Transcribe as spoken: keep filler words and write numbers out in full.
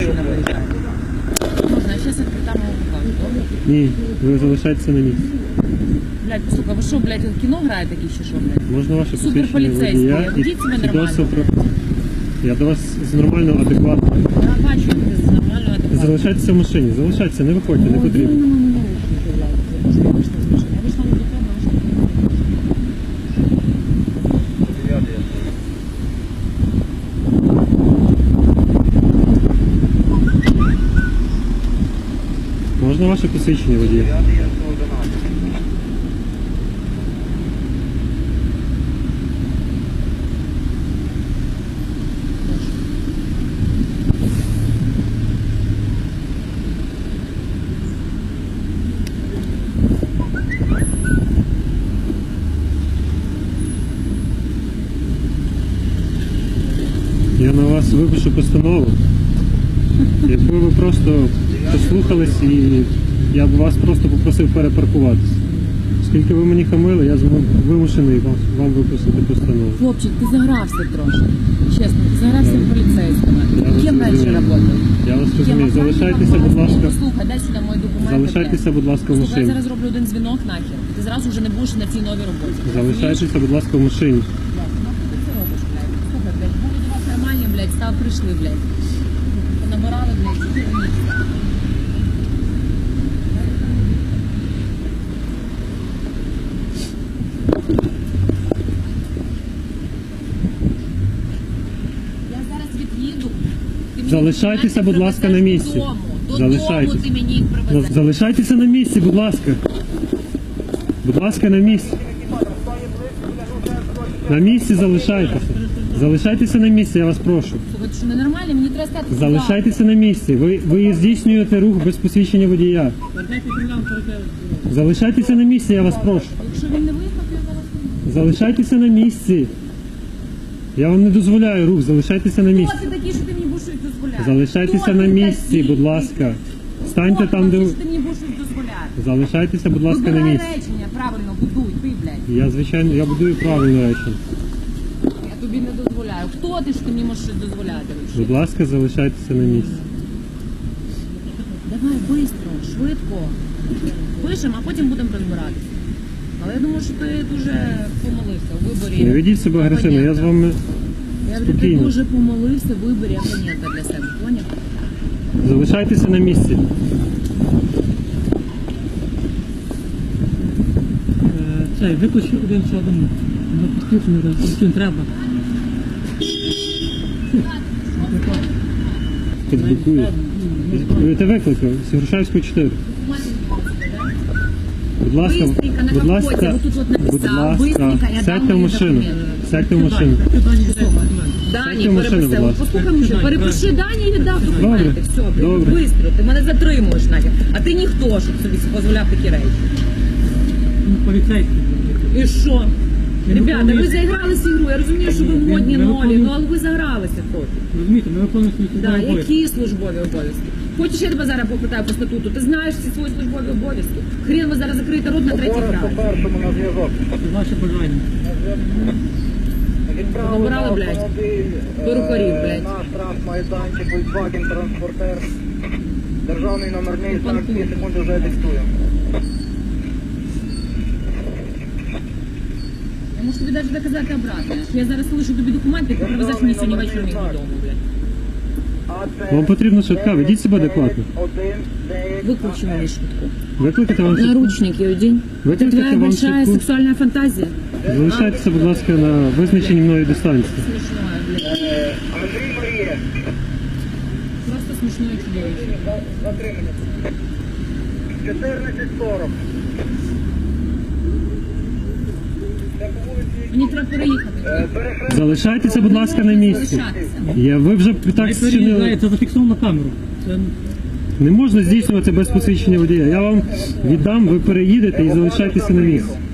машина виїжджає. Можна, я зараз відкрита мого покажу, добре? Ні, ви залишаєтеся на місці. Блядь, сука, ви що, блядь, кіно граєте такі чи що, блядь? Можна ваше посвідчення Суперполіцейський, водія і ведіть себе свідоцтво нормально. про... Я до вас з нормально, адекватно. Я бачу, як ти нормально адекватно. Залишайтеся в машині, залишайтеся, не виходьте, не потрібно. Можна ваше посвідчення водія? Я на вас випишу постанову. Якби ви просто послухались і я б вас просто попросив перепаркуватися. Оскільки ви мені хамили, я вимушений вам, вам виписати постанову. Хлопчик, ти загрався трошки. Чесно, ти загрався Я- в поліцейському. я Ким вас раніше розумію. працював? Я вас Ким розумію. охранником? Залишайтеся, будь ласка. Послухай, дай сюди мої документи. Залишайтеся, блядь. будь ласка, в Слухай, я машині. зараз зроблю один дзвінок нахер. Ти зразу вже не будеш на цій новій роботі. Залишайтеся, будь ласка, в машині. Блядь, нахуй ти це робиш, блядь? Слухай, блядь, були до вас нормальні, блядь, став прийшли, блядь. Понабирали, блядь, і ні. Я зараз від'їду. Ти мені Залишайтеся, документи будь ласка, на привезеш місці. додому. Додому Залишайтеся. ти мені їх привезеш. Залишайтеся на місці, будь ласка. Будь ласка, на місці. На місці залишайтеся. Залишайтеся на місці, я вас прошу. Слухай, ти що ненормально? Мені треба стати туди. Залишайтеся на місці. Ви, ви здійснюєте рух без посвідчення водія. Залишайтеся на місці, я вас прошу. Якщо він не виїхав, то я зараз... Залишайтеся на місці. Я вам не дозволяю рух, залишайтеся на місці. Хто ти такий, що ти мені будеш щось дозволяти? Залишайтеся Хто на ти місці, такий? будь ласка. Станьте Хто там, ти де... такий, що ти мені будеш щось дозволяти? Залишайтеся, будь ласка, на Вибирай місці. речення, правильно, будуй, ти, блядь. Я, звичайно, я будую правильно речення. Я тобі не дозволяю. Хто ти, що ти мені можеш щось дозволяти? вообще? Будь ласка, залишайтеся на місці. Давай, швидко, швидко. Пишемо, а потім будемо розбиратися. Але я думаю, що ти дуже помолився у виборі. Не ведіть себе агресивно, я з вами Я говорю, ти спокійно. дуже помолився в виборі опонента для себе, поняв? Залишайтеся на місці. Цей, виключи один чи один. На підключення, яким треба. Підблокую. Підблокуєте викликав з Грушевського чотири. Будь ласка, Быстренько на будь капоті, ласка, отут от написав, будь ласка, быстренько, я дам сядьте в мої машину. документи. Сядьте в машину. Дані, Сядьте в машину, будь переписав. ласка. Послухай, мужик, перепиши Дані і віддав документи. Добре, Все, блядь, добре. бистро. Ти мене затримуєш, Надя. А ти ніхто, щоб собі дозволяв такі речі. Поліцейський. І що? Не Ребята, ви виконуєш. заігралися ігру. Я розумію, що ви Ні, модні не нолі, виконуєш. ну але ви загралися трохи. Розумієте, ми виконуємо свої Да, службові обов'язки. які службові обов'язки? Хочеш, я тебе зараз попитаю по статуту? Ти знаєш всі свої службові обов'язки? Хрін ви зараз закриєте рот на третій край. По-першому на зв'язок. Ваше бажання. Набирали, блядь, перукарів, блядь. Наш трансмайданчик, Volkswagen Transporter. Державний номерний знак, дві секунди вже диктуємо. Я можу тобі навіть доказати обратно. Я зараз лишу тобі документи, які привезеш мені сьогодні вечором їх додому, блядь. Вам потрібно швидка, ведіть себе адекватно. Виключи мені швидку. Викликайте вам швидку. Наручники одень. Это Викликайте твоя вам большая швидку. сексуальная фантазия. Залишайтеся, будь ласка, на визначеній мною дистанції. Смешное, блядь. Андрій Марія. Просто смешное чудовище. Затримання. чотирнадцять сорок. Мені треба переїхати. Залишайтеся, будь ласка, на місці. Залишатися. Я, ви вже так Не зчинили. переїжджає, це зафіксовано на камеру. Це Не можна здійснювати без посвідчення водія. Я вам віддам, ви переїдете і залишайтеся на місці.